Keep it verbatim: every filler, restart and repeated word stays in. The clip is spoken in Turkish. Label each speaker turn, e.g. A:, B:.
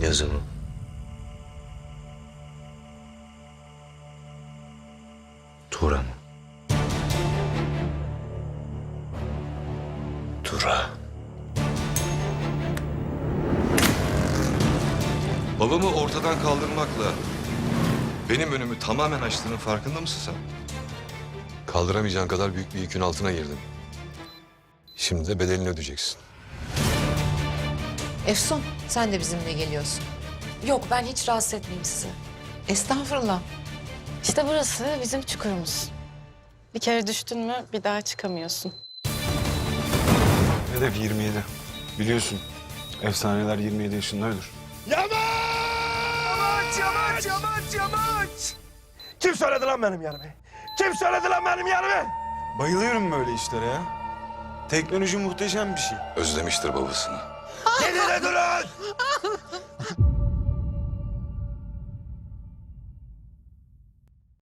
A: Yazımı. Tura mı? Tura.
B: Babamı ortadan kaldırmakla benim önümü tamamen açtığının farkında mısın sen? Kaldıramayacağın kadar büyük bir yükün altına girdin. Şimdi de bedelini ödeyeceksin.
C: Efsun, sen de bizimle geliyorsun.
D: Yok, ben hiç rahatsız etmeyeyim sizi.
C: Estağfurullah.
E: İşte burası bizim çukurumuz. Bir kere düştün mü bir daha çıkamıyorsun.
F: Hedef yirmi yedi. Biliyorsun efsaneler yirmi yedi yaşında ölür.
G: Yamaç! Yamaç, yamaç, yamaç! Kim söyledi lan benim yerimi? Kim söyledi lan benim yerimi?
F: Bayılıyorum böyle işlere ya. Teknoloji muhteşem bir şey.
B: Özlemiştir babasını.
G: Gidin de durun!